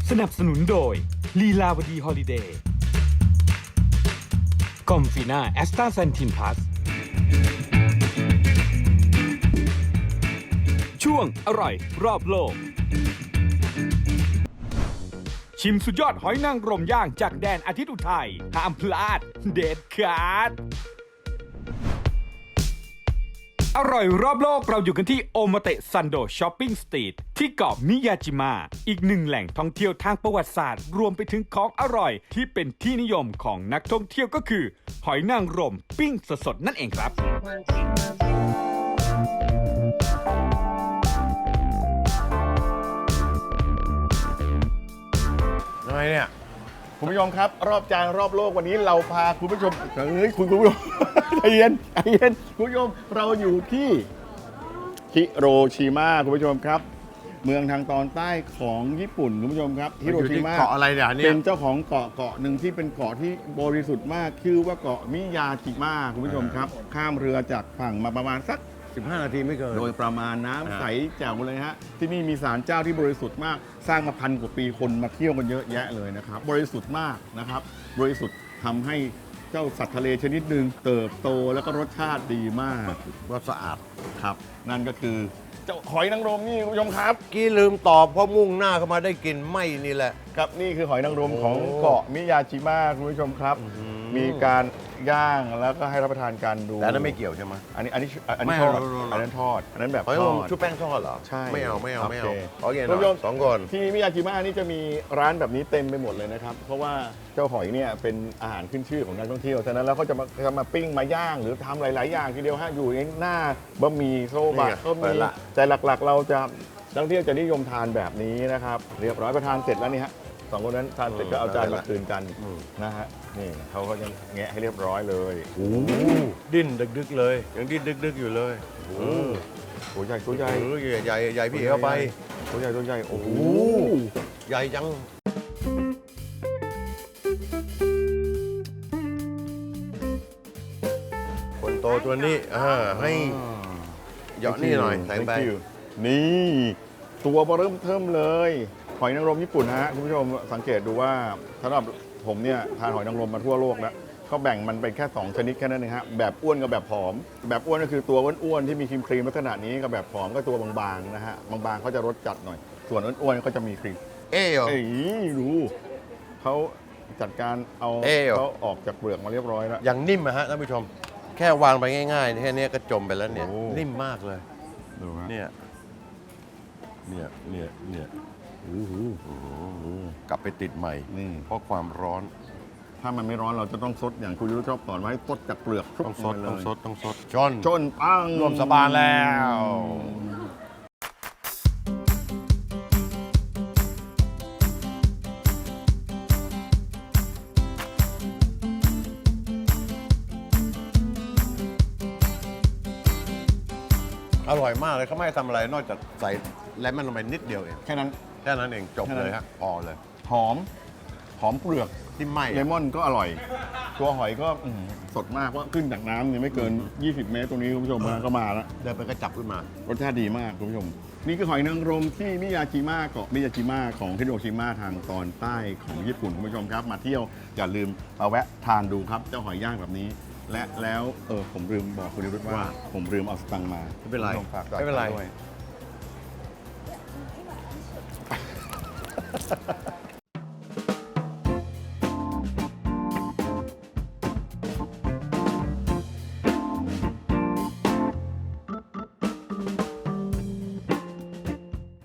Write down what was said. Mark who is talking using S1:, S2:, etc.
S1: สนับสนุนโดยลีลาวดีฮอลิเดย์กอมฟีน่าแอสตาเซนทินพลัสช่วงอร่อยรอบโลกชิมสุดยอดหอยนางรมย่างจากแดนอาทิตย์อุทัยห้ามพลาดเด็ดขาดอร่อยรอบโลกเราอยู่กันที่โอมาเตะซันโดช้อปปิ้งสตรีทที่เกาะมิยาจิมะอีกหนึ่งแหล่งท่องเที่ยวทางประวัติศาสตร์รวมไปถึงของอร่อยที่เป็นที่นิยมของนักท่องเที่ยวก็คือหอยนางรมปิ้งสดๆนั่นเองครับ
S2: ยังไงเนี่ย
S3: คุณผู้ชมครับรอบจานรอบโลกวันนี้เราพาคุณผู้ชมคุณผู้ชม ใจเย็นคุณผู้ชมเราอยู่ที่ฮิโรชิมาคุณผู้ชมครับ เมืองทางตอนใต้ของญี่ปุ่นคุณผู้ชมครับฮิโรชิมา
S2: เกาะอะไรเนี่ย
S3: เป็นเจ้าของเกาะหนึ่งที่เป็นเกาะที่บริสุทธิ์มากชื่อว่าเกาะมิยาจิมะคุณผู้ชมครับข้ามเรือจากฝั่งมาประมาณสัก
S2: 15 นาทีไม่เกิน
S3: โดยประมาณน้ำใสแจ๋วเลยฮะที่นี่มีศาลเจ้าที่บริสุทธิ์มากสร้างมาพันกว่าปีคนมาเที่ยวกันเยอะแยะเลยนะครับบริสุทธิ์มากนะครับบริสุทธิ์ทำให้เจ้าสัตว์ทะเลชนิดหนึ่งเติบโตแล้วก็รสชาติดีมาก
S2: ว่าสะอาด
S3: ครับ นั่นก็คือเจ้าหอยนางรมนี่คุณผู้ชมครับ
S2: กี้ลืมตอบเพราะมุ่งหน้าเข้ามาได้กินไม่นี่แหละ
S3: ครับนี่คือหอยนางรมของ
S2: โอ้
S3: เกาะมิยาจิมะคุณผู้ชมครับ มีการย่างแล้วก็ให้รับประทานกันดู
S2: แต่อันนั้นไม่เกี่ยวใช่ไหม
S3: อันนี้
S2: ไม่
S3: ทอด
S2: เอา
S3: อันนั้นทอดอันนั้นแบบ
S2: หอย
S3: ท
S2: นางร
S3: อ
S2: ม
S3: ด
S2: ชุบแป้งทอดเหรอ
S3: ใช่
S2: ไม่เอา
S3: โอเค
S2: เอาอย่าง
S3: คุณผู้ชม
S2: สองคน
S3: ที่มิยาจิมะนี่จะมีร้านแบบนี้เต็มไปหมดเลยนะครับ เพราะว่าเจ้าหอยเนี่ยเป็นอาหารขึ้นชื่อของนักท่องเที่ยวฉะนั้นแล้วเขาจะมาปิ้งมาย่างหรือทำหลาย ๆ อย่างทีเดียวฮะอยู่ในหน้าบะหมี่โซบะก็มีแต่หลัก ๆ เราจะนักท่องเที่ยวจะนิยมทานแบบนี้นะครับเรียบร้อยประทานเสร็จแล้วนี่ฮะสองคนนั้นทานเสร็จก็เอาจานมาคืนกันนะฮะนี่เขาก็จะแงะให้เรียบร้อยเลย
S2: โอ้ดิ้นดึกๆเลยยังดิ้นดึกๆอยู่เลย
S3: ตัวใหญ่ตัวใหญ่
S2: ใหญ่พี่เข้าไป
S3: ตัวใหญ่โอ้โห
S2: ใหญ่จังคนโตตัวนี้ให้เหยาะนี่หน่อยใส่ไป
S3: Thank you นี่ตัวเริ่มเทิมเลยหอยนางรมญี่ปุ่นฮะคุณผู้ชมสังเกตดูว่าสำหรับผมเนี่ยทานหอยนางรมมาทั่วโลกแล้วเขาแบ่งมันเป็นแค่2ชนิดแค่นั้นเองฮะแบบอ้วนกับแบบผอมแบบอ้วนก็คือตัวอ้วนๆที่มีครีมลักษณะนี้กับแบบผอมก็ตัวบางๆนะฮะบางๆเขาจะรสจัดหน่อยส่วนอ้วนๆก็จะมีครีม
S2: เหรอ
S3: เอ้ยดูเขาจัดการเอา
S2: เหรอ
S3: เขาออกจากเปลือกมาเรียบร้อยแล้ว
S2: อย่างนิ่มอะฮะท่านผู้ชม แค่วางไปง่ายๆแค่นี้ก็จมไปแล้วเนี่ย
S3: โอ้
S2: นิ่มมากเลย
S3: ดูฮะ
S2: เนี่ยโอ้โหกลับไปติดใหม่
S3: นี่
S2: เพราะความร้อน
S3: ถ้ามันไม่ร้อนเราจะต้องซดอย่างคุณยุทธชอบสอนไว้ซดจากเปลือก
S2: ต้องซด
S3: ล
S2: ต้อง
S3: ย
S2: ซดต้องซดจน
S3: จนปัง
S2: รวมสบานแล้ว อร่อยมากเลยเขาไม่ให้ทำอะไรนอกจากใส่เลมอนลงไปนิดเดียวเอง
S3: แค่นั้น
S2: แค่นั้นเองจบเลยฮะพอเลย
S3: หอมเปลือก
S2: ที่ไหม้
S3: เลมอนก็อร่อย ตัวหอยก็สดมากว่าขึ้นจากน้ำเนี่ยไม่เกิน 20 เมตรตรงนี้คุณผู้ชมก็มาแล้ว
S2: เดินไปก็จับขึ้นมา
S3: รสชาติดีมากคุณผู้ชม นี่คือหอยนางรมที่มิยาจิมะเกาะมิยาจิมะของฮิโรชิมาทางตอนใต้ของญี่ปุ่นคุณผู้ชมครับ มาเที่ยวอย่าลืมมาแวะทานดูครับเจ้าหอยย่างแบบนี้ และแล้วผมลืมบอกคุณนิรุตว่า ผมลืมเอาสตังค์มา
S2: ไม่เป็นไร
S3: คุณผู้ชฝากจ่าย
S2: ไม่เป็นไร
S3: ด้วย